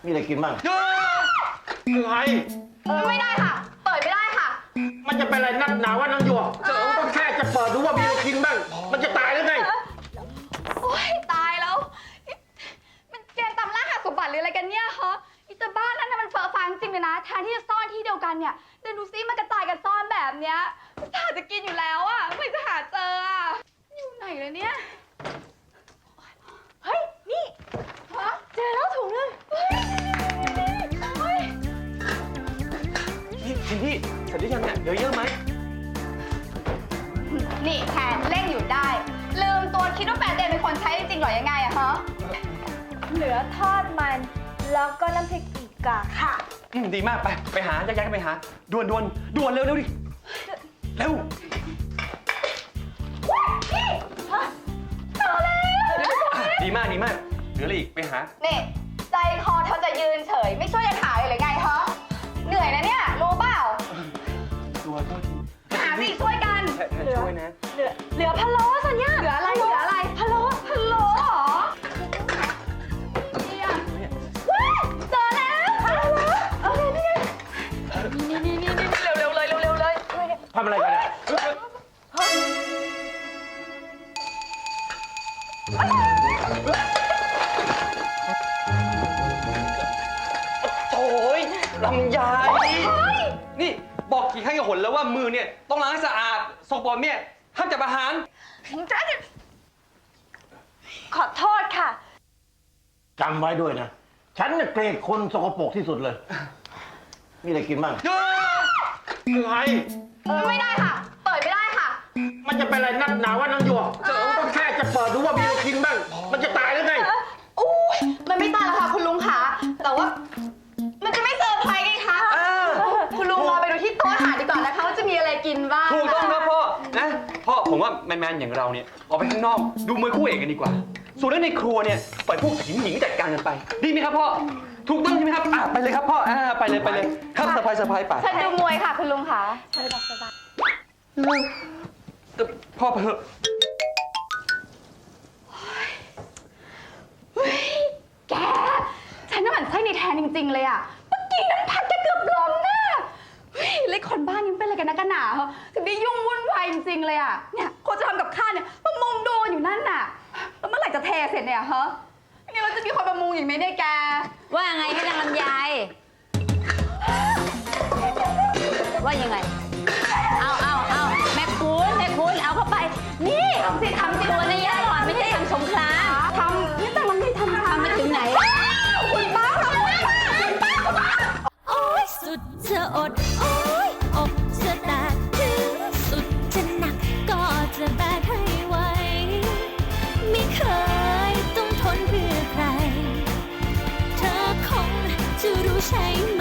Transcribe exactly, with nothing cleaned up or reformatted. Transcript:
มีอะไรกินบ้างอะไรไม่ได้ค่ะเปิดไม่ได้ค่ะมันจะเป็นอะไรนักหนาว่าน้องหยวกเจอต้องแค่จะเปิดดูว่ามีอะไรกินบ้างมันจะตายหรือไงโอ๊ยตายแล้วมันเกมตามล่าหาสมบัติหรืออะไรกันเนี่ยฮะอีตาบ้านนั่นน่ะมันเฟอฟังจริงเลยนะแทนที่จะซ่อนที่เดียวกันเนี่ยเดี๋ยวดูซิมันกระจายกันซ่อนแบบเนี้ยถ้าจะกินอยู่แล้วอ่ะไม่จะหาเจออ่ะอยู่ไหนเลยเนี่ยเฮ้ยนี่ฮะเจอแล้วถุงนึงเฮ้ยนี่ชินที่เสร็จหรือยังเนี่ยเหลือเยอะไหมนี่แทนเร่งอยู่ได้ลืมตัวคิดว่าแฟนเดนเป็นคนใช้จริงๆหรอยังไงอะฮะเหลือทอดมันแล้วก็น้ำพริกอีกาค่ะอืมดีมากไปไปหาแยกๆไปหาด่วนด่วนด่วนเร็วเร็วดิเร็วเจอแล้วดีมากดีมากเหลืออะไรอีกไปหานี่ใจคอเธอจะยืนเฉยไม่ช่วยกันหาเลยหรือไงฮะเหนื่อยนะเนี่ยรู้เปล่าตัวโทษทีหาสิช่วยกันแทนช่วยนะเหลือเหลือพะโล้สัญญาเหลืออะไรเหลืออะไรพะโล้พะโล้เหรอเนี่ยเจอแล้วพะโล้โอเคนี่นี่นี่นี่นี่เร็วเร็วเลยเร็วเร็วเลยทำอะไรกันเนี่ยโอ้ยลำไยนี่บอกกี่ครั้งกี่หนแล้วว่ามือเนี่ยต้องล้างให้สะอาดสกปรกเนี่ยห้ามจับอาหารขอโทษค่ะจำไว้ด้วยนะฉันเนี่ยเกลียดคนสกปรกที่สุดเลยมีอะไรกินบ้างอะไรไม่ได้ค่ะเปิดไม่ได้ค่ะมันจะเป็นอะไรนักหนาว่าน้องหยวกเจอต้องแค่จะเปิดดูว่ามีอะไรกินบ้างมันจะตายหรือไงอุ้ยมันไม่ตายแล้วค่ะคุณลุงคะแต่ว่ามันจะไม่เซอร์ไพรส์ไงคะคุณลุงรอไปดูที่โต๊ะอาหารดีกว่านะคะว่าจะมีอะไรกินบ้างถูกต้องครับพ่อนะพ่อผมว่าแมนๆอย่างเราเนี่ยออกไปข้างนอกดูมวยคู่เอกกันดีกว่าส่วนเรื่องในครัวเนี่ยปล่อยพวกหญิงหญิงจัดการกันไปดีไหมครับพ่อถูกต้องใช่ไหมครับอ่ะไปเลยครับพ่ออ่าไปเลยไปเลยครับสบายสบายไปฉันดูมวยค่ะคุณลุงคะสบายสบายพ่อเถอะเฮ้ยแกฉันน่ะหมั่นไส้ในแทนจริงๆเลยอ่ะเมื่อกี้นั้นพักแกเกือบล้มนะเฮ้ยเลยคนบ้านนี้เป็นอะไรกันนะกันหนาเหรอถึงได้ยุ่งวุ่นวายจริงๆเลยอ่ะเนี่ยคนจะทำกับข้าวเนี่ยมามุงดูอยู่นั่นน่ะแล้วเมื่อไหร่จะเทเสร็จเนี่ยฮะนี่เราจะมีคนมามุงอีกไหมเนี่ยแกว่าไงพี่นางลำไยว่ายังไงเอาเอาเอาแม่คุณแม่คุณเอาเข้าไปนี่ทำสิทำสิตัวในย่าหลอนไม่ใช่ทำสงครามทำนี่แต่มันไม่ทำทำไปถึงไหนคุณป้าทำคุณป้าคุณป้าคุณป้าโอ๊ยสุดจะอดโอ๊ยอกจะแตกถึงสุดจะหนักก็จะแบกให้ไหวไม่เคยต้องทนเพื่อใครเธอคงจะรู้ใช่ไหม